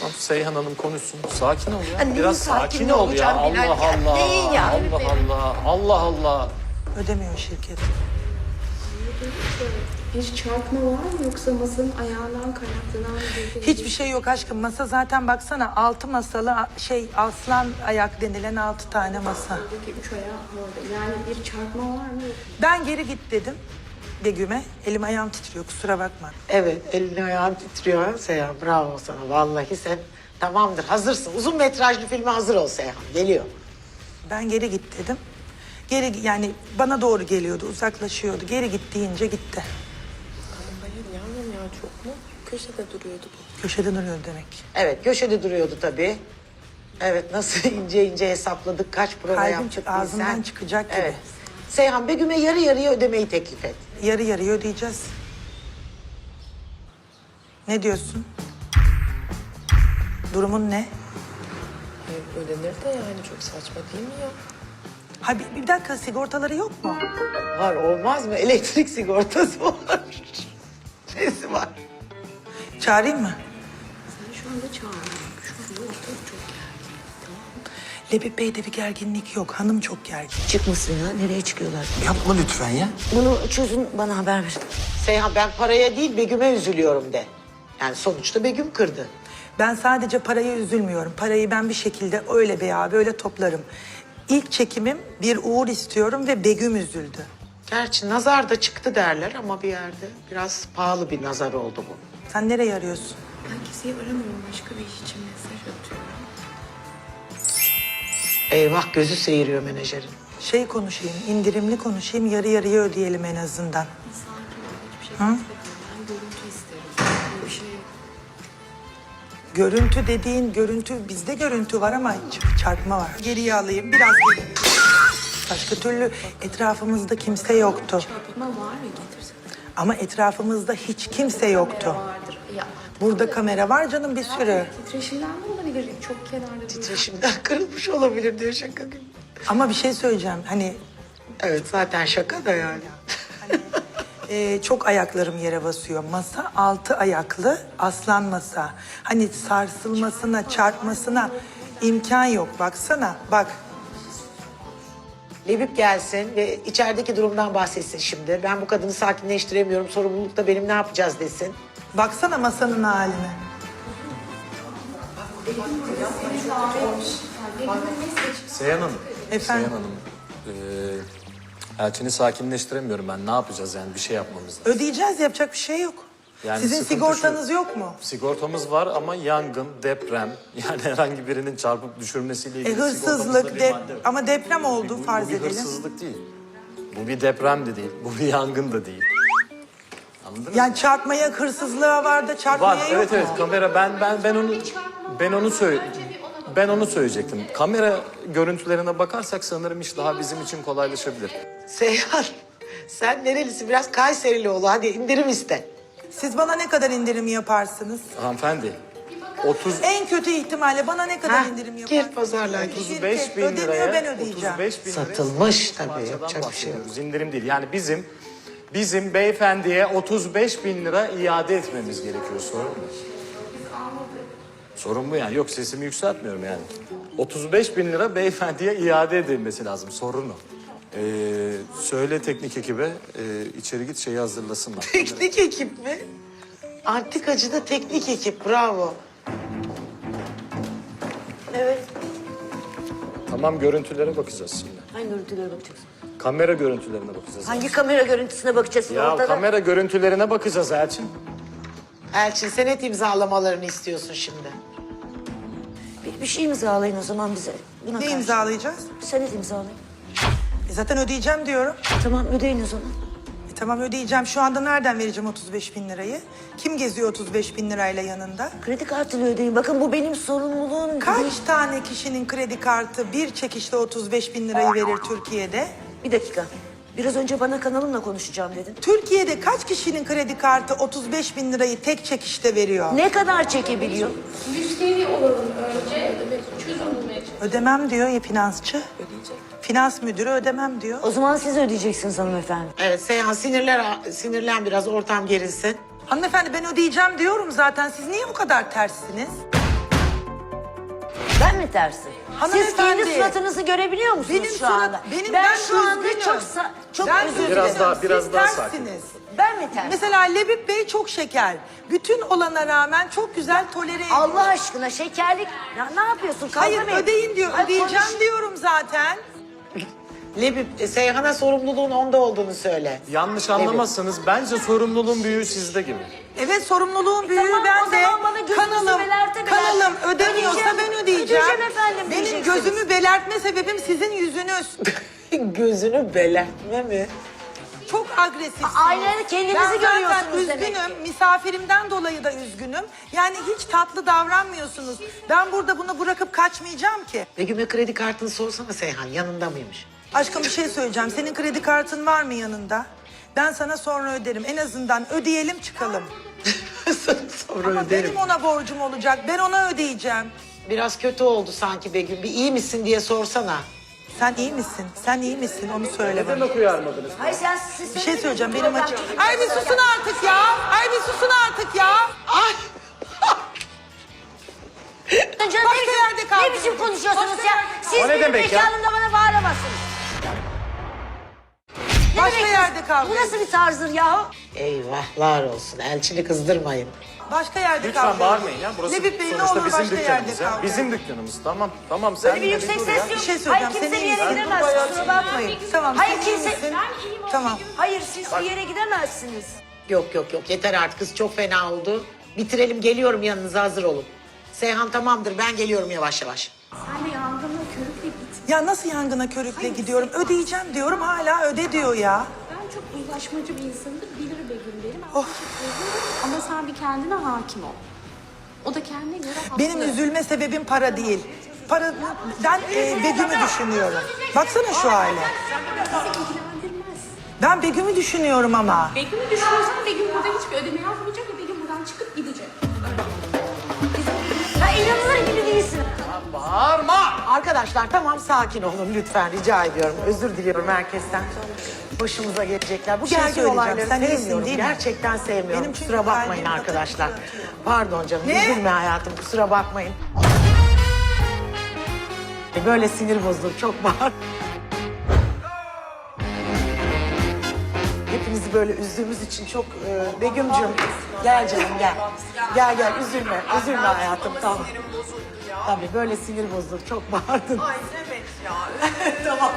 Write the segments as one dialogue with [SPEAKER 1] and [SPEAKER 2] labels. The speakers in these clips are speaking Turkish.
[SPEAKER 1] Tamam, Seyhan Hanım konuşsun. Sakin ol ya.
[SPEAKER 2] Neyin
[SPEAKER 1] Biraz
[SPEAKER 2] sakin
[SPEAKER 1] sakin ol ya.
[SPEAKER 2] olacağım Bilal
[SPEAKER 1] Allah
[SPEAKER 2] ya?
[SPEAKER 1] Allah.
[SPEAKER 2] Neyin ya?
[SPEAKER 1] Allah Allah. Allah Allah.
[SPEAKER 3] Ödemiyor şirket.
[SPEAKER 4] Bir çarpma var mı yoksa masanın ayağından kaynaklanan bir...
[SPEAKER 3] Hiçbir şey yok aşkım. Masa zaten baksana 6 masalı aslan ayak denilen 6 tane masa.
[SPEAKER 4] Buradaki 3 ayağı orada. Yani bir çarpma var mı?
[SPEAKER 3] Ben geri git dedim Begüm'e. Elim ayağım titriyor kusura bakma.
[SPEAKER 2] Evet, elini ayağın titriyor ha Seyhan. Bravo sana. Vallahi sen tamamdır, hazırsın. Uzun metrajlı filme hazır ol Seyhan. Geliyor.
[SPEAKER 3] Ben geri git dedim. Geri yani bana doğru geliyordu uzaklaşıyordu. Geri git deyince gitti.
[SPEAKER 5] Hayır yavrum ya çok mu? Köşede duruyordu bu.
[SPEAKER 3] Köşede duruyordu demek.
[SPEAKER 2] Evet, köşede duruyordu tabii. Evet, nasıl ince ince hesapladık, kaç prova
[SPEAKER 3] Kalbim
[SPEAKER 2] yaptık
[SPEAKER 3] ağzımdan
[SPEAKER 2] bilsen.
[SPEAKER 3] çıkacak gibi.
[SPEAKER 2] Evet. Seyhan, Begüm'e yarı yarıya ödemeyi teklif et.
[SPEAKER 3] Yarı yarıya ödeyeceğiz. Ne diyorsun? Durumun ne?
[SPEAKER 5] Ödenir de yani çok saçma değil mi ya?
[SPEAKER 3] Ha bir dakika sigortaları yok mu?
[SPEAKER 2] Var, olmaz mı? Elektrik sigortası var. Nesi var?
[SPEAKER 3] Çağırayım mı?
[SPEAKER 4] Sen şu anda çağırıyorum. Şu anda ortalık çok gergin. Tamam mı?
[SPEAKER 3] Lebip Bey'de bir gerginlik yok. Hanım çok gergin.
[SPEAKER 6] Çıkmasın ya. Nereye çıkıyorlar?
[SPEAKER 1] Yapma lütfen ya.
[SPEAKER 6] Bunu çözün bana haber verin.
[SPEAKER 2] Seyhan, ben paraya değil Begüm'e üzülüyorum de. Yani sonuçta Begüm kırdı.
[SPEAKER 3] Ben sadece paraya üzülmüyorum. Parayı ben bir şekilde öyle veya böyle toplarım. İlk çekimim bir uğur istiyorum ve Begüm üzüldü.
[SPEAKER 2] Gerçi nazar da çıktı derler ama bir yerde biraz pahalı bir nazar oldu bu.
[SPEAKER 3] Sen nereye arıyorsun?
[SPEAKER 4] Ben kimseyi aramıyorum. Başka bir iş için mesaj atıyorum.
[SPEAKER 2] Eyvah, gözü seyiriyor menajerin.
[SPEAKER 3] Şey konuşayım, indirimli konuşayım, yarı yarıya ödeyelim en azından.
[SPEAKER 4] Sakin ol. Hiçbir şey istemiyorum. Ben görüntü isterim. Böyle bir şey yok.
[SPEAKER 3] Görüntü dediğin görüntü, bizde görüntü var ama çarpma var. Geriye alayım, biraz geri. Başka türlü etrafımızda kimse yoktu.
[SPEAKER 4] Çarpma var mı? Getirsin.
[SPEAKER 3] Ama etrafımızda hiç kimse yoktu.
[SPEAKER 4] Vardır. Ya,
[SPEAKER 3] Burada kamera var canım bir sürü.
[SPEAKER 4] titreşimden de olabilir. Çok kenarda bir...
[SPEAKER 2] Titreşimden kırılmış olabilir diyor şaka gibi.
[SPEAKER 3] Ama bir şey söyleyeceğim. Hani
[SPEAKER 2] Evet, zaten şaka da yani.
[SPEAKER 3] çok ayaklarım yere basıyor. Masa 6 ayaklı aslan masa. Hani sarsılmasına, çarpmasına imkan yok. Baksana, bak.
[SPEAKER 2] Lebip gelsin ve içerideki durumdan bahsetsin şimdi. Ben bu kadını sakinleştiremiyorum, sorumluluk da benim, ne yapacağız desin.
[SPEAKER 3] Baksana masanın haline.
[SPEAKER 1] Seyhan Hanım.
[SPEAKER 3] Efendim?
[SPEAKER 1] Seyhan Hanım. Elçini sakinleştiremiyorum ben. Ne yapacağız yani? Bir şey yapmamız lazım.
[SPEAKER 3] Ödeyeceğiz, yapacak bir şey yok.
[SPEAKER 1] Yani
[SPEAKER 3] Sizin
[SPEAKER 1] sıkıntı
[SPEAKER 3] sigortanız
[SPEAKER 1] şu,
[SPEAKER 3] yok mu?
[SPEAKER 1] Sigortamız var ama yangın, deprem, yani herhangi birinin çarpıp düşürmesiyle ilgili
[SPEAKER 3] Hırsızlık,
[SPEAKER 1] sigortamızda bir madde var.
[SPEAKER 3] ama deprem oldu farz
[SPEAKER 1] Bu bir
[SPEAKER 3] edelim.
[SPEAKER 1] hırsızlık değil. Bu bir deprem de değil. Bu bir yangın da değil. Anladınız mı?
[SPEAKER 3] Yani çarpmaya, hırsızlığa var da çarpmaya
[SPEAKER 1] Var,
[SPEAKER 3] yok
[SPEAKER 1] evet
[SPEAKER 3] mu?
[SPEAKER 1] evet, kamera ben onu söyleyecektim. Kamera görüntülerine bakarsak sanırım iş daha bizim için kolaylaşabilir.
[SPEAKER 2] Seyhan, sen nerelisin? Biraz Kayserili ol. Hadi indirim iste.
[SPEAKER 3] Siz bana ne kadar indirim yaparsınız?
[SPEAKER 1] Hanımefendi, 30
[SPEAKER 3] En kötü ihtimalle bana ne kadar
[SPEAKER 2] Ha,
[SPEAKER 3] indirim yaparsınız?
[SPEAKER 2] gir pazarlığa gir.
[SPEAKER 1] 35 bin
[SPEAKER 3] Ödemiyor,
[SPEAKER 1] liraya,
[SPEAKER 3] ben ödeyeceğim.
[SPEAKER 1] 35 bin liraya
[SPEAKER 2] Satılmış tabii,
[SPEAKER 1] parçadan
[SPEAKER 2] yapacak bir şey yok.
[SPEAKER 1] bahsediyoruz. İndirim değil. Yani bizim beyefendiye 35 bin lira iade etmemiz gerekiyor. Sorun mu? Sorun bu yani. Yok, sesimi yükseltmiyorum yani. 35 bin lira beyefendiye iade edilmesi lazım. Sorun o. Söyle teknik ekibe içeri git şeyi hazırlasınlar.
[SPEAKER 2] Teknik ekip mi? Antikacıda teknik ekip, bravo.
[SPEAKER 6] Evet.
[SPEAKER 1] Tamam, görüntülere bakacağız şimdi.
[SPEAKER 6] Hangi görüntülere bakacağız?
[SPEAKER 1] Kamera görüntülerine bakacağız.
[SPEAKER 6] Hangi kamera görüntüsüne bakacağız?
[SPEAKER 1] Ya
[SPEAKER 6] Ortada.
[SPEAKER 1] kamera görüntülerine bakacağız Elçin.
[SPEAKER 2] Elçin, senet imzalamalarını istiyorsun şimdi.
[SPEAKER 6] Bir şey imzalayın o zaman bize. Buna
[SPEAKER 3] Ne
[SPEAKER 6] karşı.
[SPEAKER 3] imzalayacağız?
[SPEAKER 6] Senet imzalayın.
[SPEAKER 3] Zaten ödeyeceğim diyorum.
[SPEAKER 6] Tamam ödeyin o zaman.
[SPEAKER 3] Tamam ödeyeceğim. Şu anda nereden vereceğim 35 bin lirayı? Kim geziyor 35 bin lirayla yanında?
[SPEAKER 6] Kredi kartıyla ödeyin. Bakın bu benim sorumluluğum.
[SPEAKER 3] Kaç tane kişinin kredi kartı bir çekişle 35 bin lirayı verir Türkiye'de?
[SPEAKER 6] Bir dakika. Biraz önce bana kanalımla konuşacağım dedin.
[SPEAKER 3] Türkiye'de kaç kişinin kredi kartı 35 bin lirayı tek çekişte veriyor?
[SPEAKER 6] Ne kadar çekebiliyor?
[SPEAKER 4] Müşteri olalım önce. Çözüm bulmaya çalışalım.
[SPEAKER 3] Ödemem diyor ya finansçı. Finans müdürü ödemem diyor.
[SPEAKER 6] O zaman siz ödeyeceksiniz hanımefendi.
[SPEAKER 2] Evet Seyhan, sinirlen biraz, ortam gerilsin.
[SPEAKER 3] Hanımefendi ben ödeyeceğim diyorum zaten. Siz niye bu kadar terssiniz?
[SPEAKER 6] Ben mi tersim? Siz
[SPEAKER 3] Hanımefendi.
[SPEAKER 6] kendi suratınızı görebiliyor musunuz
[SPEAKER 3] Benim
[SPEAKER 6] şu anda?
[SPEAKER 3] ben
[SPEAKER 6] şu anda
[SPEAKER 3] üzgünüm.
[SPEAKER 6] çok
[SPEAKER 3] Ben
[SPEAKER 6] özür dilerim.
[SPEAKER 1] Biraz daha
[SPEAKER 3] Siz
[SPEAKER 1] sakin.
[SPEAKER 3] tersiniz.
[SPEAKER 6] Ben mi tersim?
[SPEAKER 3] Mesela Lebip Bey çok şeker. Bütün olana rağmen çok güzel tolere ediyor.
[SPEAKER 6] Allah aşkına şekerlik. Ya ne yapıyorsun? Kavga
[SPEAKER 3] Hayır
[SPEAKER 6] mı
[SPEAKER 3] ödeyin diyor.
[SPEAKER 6] Ay,
[SPEAKER 3] Ödeyeceğim
[SPEAKER 6] konuş.
[SPEAKER 3] diyorum zaten.
[SPEAKER 2] Lebip, Seyhan'a sorumluluğun onda olduğunu söyle.
[SPEAKER 1] Yanlış anlamazsanız bence sorumluluğun büyüğü sizde gibi.
[SPEAKER 3] Evet sorumluluğun büyüğü
[SPEAKER 6] tamam, o
[SPEAKER 3] bende.
[SPEAKER 6] zaman bana gözünüzü belerte
[SPEAKER 3] Kanalım ödemiyorsa
[SPEAKER 6] ödeyeceğim.
[SPEAKER 3] ben ödeyeceğim.
[SPEAKER 6] Ödeyeceğim efendim
[SPEAKER 3] Benim
[SPEAKER 6] diyeceksiniz.
[SPEAKER 3] gözümü belertme sebebim sizin yüzünüz.
[SPEAKER 2] Gözünü belertme mi?
[SPEAKER 3] Çok agresifsiniz.
[SPEAKER 6] Aynada kendinizi
[SPEAKER 3] Ben zaten
[SPEAKER 6] görüyorsunuz demek
[SPEAKER 3] üzgünüm.
[SPEAKER 6] ki.
[SPEAKER 3] Misafirimden dolayı da üzgünüm. Yani hiç tatlı davranmıyorsunuz. Ben burada bunu bırakıp kaçmayacağım ki.
[SPEAKER 2] Begüm'e kredi kartını sorsana Seyhan, yanında mıymış?
[SPEAKER 3] Aşkım bir şey söyleyeceğim. Senin kredi kartın var mı yanında? Ben sana sonra öderim. En azından ödeyelim çıkalım.
[SPEAKER 2] Sonra
[SPEAKER 3] Ama
[SPEAKER 2] öderim.
[SPEAKER 3] benim ona borcum olacak. Ben ona ödeyeceğim.
[SPEAKER 2] Biraz kötü oldu sanki Begüm. Bir iyi misin diye sorsana.
[SPEAKER 3] Sen iyi misin? Sen iyi misin? Onu söyle bana.
[SPEAKER 1] Neden uyarmadınız?
[SPEAKER 6] Hayır siz
[SPEAKER 3] Bir şey söyleyeceğim. Benim
[SPEAKER 6] Program-
[SPEAKER 3] açım. Ay bir susun artık ya. Ay bir susun artık ya.
[SPEAKER 2] Ay!
[SPEAKER 6] Canım,
[SPEAKER 3] Başka yerde kaldınız.
[SPEAKER 6] Ne biçim konuşuyorsunuz
[SPEAKER 3] Başka
[SPEAKER 6] ya?
[SPEAKER 3] yerde-
[SPEAKER 6] Siz
[SPEAKER 1] O ne
[SPEAKER 6] benim
[SPEAKER 1] demek ya?
[SPEAKER 6] mekanımda bana bağıramazsınız. Ne
[SPEAKER 3] Başka
[SPEAKER 6] demek?
[SPEAKER 3] yerde kavga
[SPEAKER 6] Bu nasıl bir tarzdır yahu?
[SPEAKER 2] Eyvahlar olsun. Elçini kızdırmayın.
[SPEAKER 3] Başka yerde
[SPEAKER 1] Lütfen
[SPEAKER 3] kavga
[SPEAKER 1] bağırmayın
[SPEAKER 3] edin.
[SPEAKER 1] ya. Burası
[SPEAKER 3] Lebip Bey ne
[SPEAKER 1] sonuçta
[SPEAKER 3] olur
[SPEAKER 1] bizim
[SPEAKER 3] başka yerde
[SPEAKER 1] dükkanımız ya.
[SPEAKER 3] kavga
[SPEAKER 1] Bizim
[SPEAKER 3] edin.
[SPEAKER 1] dükkanımız. Tamam sen
[SPEAKER 6] Böyle bir
[SPEAKER 1] de
[SPEAKER 6] yüksek
[SPEAKER 1] dur
[SPEAKER 6] ses
[SPEAKER 1] ya.
[SPEAKER 6] yok.
[SPEAKER 3] Bir şey söyleyeceğim.
[SPEAKER 6] Hayır kimse
[SPEAKER 3] Sen
[SPEAKER 6] bir
[SPEAKER 3] iyi
[SPEAKER 6] yere
[SPEAKER 3] misin?
[SPEAKER 6] gidemez. Kusura bakmayın.
[SPEAKER 3] Tamam.
[SPEAKER 6] Hayır
[SPEAKER 3] sen iyi
[SPEAKER 6] kimse...
[SPEAKER 3] misin? Tamam.
[SPEAKER 6] Hayır siz bir yere gidemezsiniz.
[SPEAKER 2] Yok. Yeter artık. Kız çok fena oldu. Bitirelim, geliyorum yanınıza, hazır olun. Seyhan tamamdır, ben geliyorum yavaş yavaş.
[SPEAKER 4] Sen de yangına körükle git.
[SPEAKER 3] Ya nasıl yangına körükle gidiyorum? Ödeyeceğim diyorum hala öde diyor ya.
[SPEAKER 4] Ben çok uzlaşmacı bir insanımdır. Bilir Begüm derim. Ben teşekkür ederim. Ama sen bir kendine hakim ol. O da kendine göre haklı.
[SPEAKER 3] Benim üzülme sebebim para değil. Ben Begüm'ü düşünüyorum. Baksana şu hale.
[SPEAKER 4] Bizi ilgilendirmez.
[SPEAKER 3] Ben Begüm'ü düşünüyorum ama.
[SPEAKER 4] Begüm'ü düşünüyorsan Begüm burada hiçbir ödeme yapmayacak ve Begüm buradan çıkıp gidecek.
[SPEAKER 6] Ha inanılır gibi değilsin.
[SPEAKER 2] Arkadaşlar tamam, sakin olun lütfen, rica ediyorum. Özür diliyorum herkesten. Başımıza gelecekler. Bu
[SPEAKER 3] Bir şey
[SPEAKER 2] gergin
[SPEAKER 3] söyleyeceğim.
[SPEAKER 2] olayları
[SPEAKER 3] Sen iyisin
[SPEAKER 2] sevmiyorum.
[SPEAKER 3] değil mi?
[SPEAKER 2] Gerçekten sevmiyorum.
[SPEAKER 3] Benim çünkü
[SPEAKER 2] kusura bakmayın
[SPEAKER 3] kalbim
[SPEAKER 2] arkadaşlar.
[SPEAKER 3] atıyor.
[SPEAKER 2] Pardon canım.
[SPEAKER 3] Ne?
[SPEAKER 2] Üzülme hayatım. Kusura bakmayın. Böyle sinir bozulur. Çok bağır. Hepinizi böyle üzdüğümüz için çok Begüm'cüğüm gel canım gel. Gel üzülme hayatım, tamam. Tabii böyle sinir bozulur, çok bağırdın. Ay evet ya. tamam.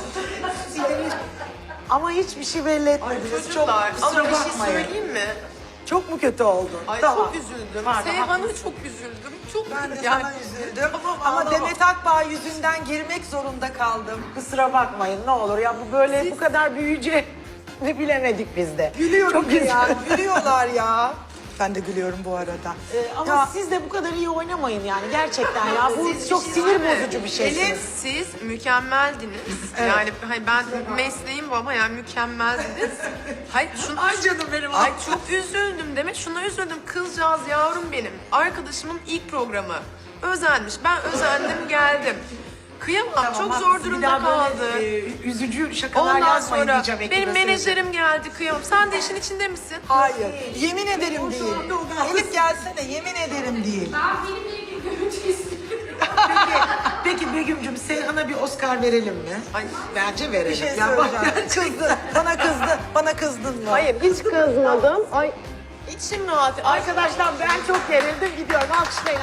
[SPEAKER 2] Ama hiçbir şey belli etmediniz.
[SPEAKER 5] Çocuklar
[SPEAKER 2] çok kusura
[SPEAKER 5] ama bir şey
[SPEAKER 2] bakmayın.
[SPEAKER 5] söyleyeyim mi?
[SPEAKER 2] Çok mu kötü oldun?
[SPEAKER 5] Ay
[SPEAKER 2] Tamam.
[SPEAKER 5] çok üzüldüm.
[SPEAKER 2] Pardon,
[SPEAKER 5] Seyhan'a çok üzüldüm. Çok
[SPEAKER 3] Ben de
[SPEAKER 5] yani,
[SPEAKER 3] sana üzüldüm.
[SPEAKER 5] Tamam,
[SPEAKER 3] Ama
[SPEAKER 5] ağlama.
[SPEAKER 3] Demet Akbağ yüzünden girmek zorunda kaldım.
[SPEAKER 2] Kusura bakmayın ne olur ya, bu böyle bu kadar büyüyeceğini bilemedik biz de.
[SPEAKER 3] Gülüyorum
[SPEAKER 2] Çok
[SPEAKER 3] ya.
[SPEAKER 2] üzüldüm.
[SPEAKER 3] Gülüyorlar ya. Ben de gülüyorum bu arada.
[SPEAKER 2] Ama
[SPEAKER 3] Ya,
[SPEAKER 2] siz de bu kadar iyi oynamayın yani gerçekten ya. Bu çok sinir bozucu bir şeysiniz.
[SPEAKER 5] Siz mükemmeldiniz. Yani hani ben mesleğim bu ama yani mükemmeldiniz. Hayır şunu... Ay canım benim. Ay çok üzüldüm demek. Şuna üzüldüm. Kızcağız yavrum benim. Arkadaşımın ilk programı. Özenmiş. Ben özendim geldim. Kıyamam.
[SPEAKER 2] Tamam,
[SPEAKER 5] çok
[SPEAKER 2] haklısın.
[SPEAKER 5] zor
[SPEAKER 2] Bir
[SPEAKER 5] durumda
[SPEAKER 2] daha
[SPEAKER 5] kaldı.
[SPEAKER 2] böyle, üzücü şakalar
[SPEAKER 5] Ondan
[SPEAKER 2] yazmayın
[SPEAKER 5] sonra
[SPEAKER 2] diyeceğim ekibe,
[SPEAKER 5] benim
[SPEAKER 2] söyleyeceğim.
[SPEAKER 5] menajerim geldi kıyamam. Sen de işin içinde misin?
[SPEAKER 3] hayır. Yemin ederim değil. Elif gelsene. Yemin ederim değil.
[SPEAKER 4] Ben benimle ilgili görüntü istiyorum.
[SPEAKER 2] Peki Begüm'cüm Seyhan'a bir Oscar verelim mi?
[SPEAKER 5] Ay,
[SPEAKER 2] Bence verelim.
[SPEAKER 3] Bir şey
[SPEAKER 2] Ya bak,
[SPEAKER 3] söyleyeceğim. Kızdın. Bana kızdın. Bana kızdın mı?
[SPEAKER 2] hayır hiç kızmadım. Ay içim rahat. Arkadaşlar ben çok gerildim, gidiyorum. Alkışlayın.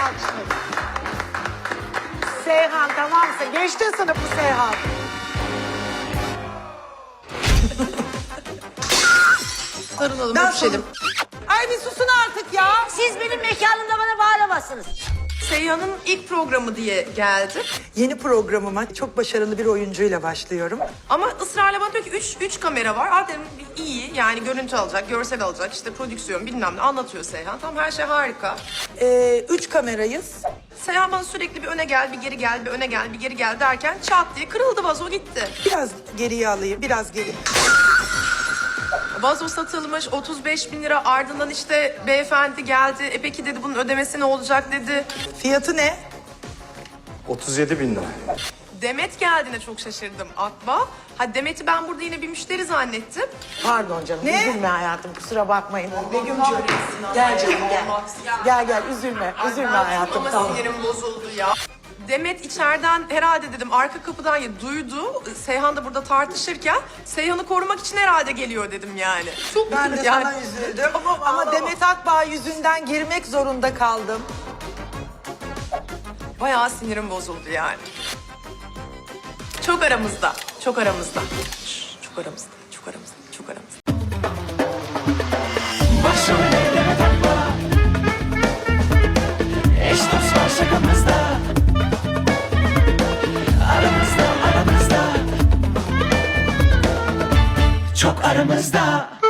[SPEAKER 2] Seyhan tamamsa geçti sınıfı Seyhan.
[SPEAKER 5] sarılalım,
[SPEAKER 3] Ben
[SPEAKER 5] öpüşelim.
[SPEAKER 3] Ay bir susun artık ya.
[SPEAKER 6] Siz benim mekanımda bana bağıramazsınız.
[SPEAKER 5] Seyhan'ın ilk programı diye geldim.
[SPEAKER 3] Yeni programıma çok başarılı bir oyuncuyla başlıyorum.
[SPEAKER 5] Ama ısrarla bana diyor ki 3 kamera var. Aa dedim iyi yani görüntü alacak, görsel alacak, işte prodüksiyon bilmem ne anlatıyor Seyhan. Tamam her şey harika.
[SPEAKER 3] 3 kamerayız.
[SPEAKER 5] Seyhan bana sürekli bir öne gel, bir geri gel, bir öne gel, bir geri gel derken çat diye kırıldı vazo gitti.
[SPEAKER 3] Biraz geriye alayım. Biraz geri.
[SPEAKER 5] Vazo satılmış 35 bin lira ardından işte beyefendi geldi. Peki dedi bunun ödemesi ne olacak dedi.
[SPEAKER 3] Fiyatı ne?
[SPEAKER 1] 37 bin lira.
[SPEAKER 5] Demet geldiğine çok şaşırdım Akba. Ha Demet'i ben burada yine bir müşteri zannettim.
[SPEAKER 2] Pardon canım,
[SPEAKER 3] Ne?
[SPEAKER 2] üzülme hayatım, kusura bakmayın. Begüm'cüğüm gel canım gel. Gel üzülme hayatım,
[SPEAKER 5] Ama
[SPEAKER 2] tamam.
[SPEAKER 5] sinirim bozuldu ya. Demet içeriden herhalde dedim arka kapıdan ya duydu. Seyhan da burada tartışırken Seyhan'ı korumak için herhalde geliyor dedim yani. Çok
[SPEAKER 3] Ben de
[SPEAKER 5] yani,
[SPEAKER 3] sana üzüldüm. Ama Demet Akbağ yüzünden girmek zorunda kaldım.
[SPEAKER 5] bayağı sinirim bozuldu yani. Çok aramızda. Çok aramızda. Çok aramızda. Çok aramızda. Çok aramızda.
[SPEAKER 7] Başrolde Demet Akbağ, eş dost var şakamızda, aramızda, aramızda, çok aramızda.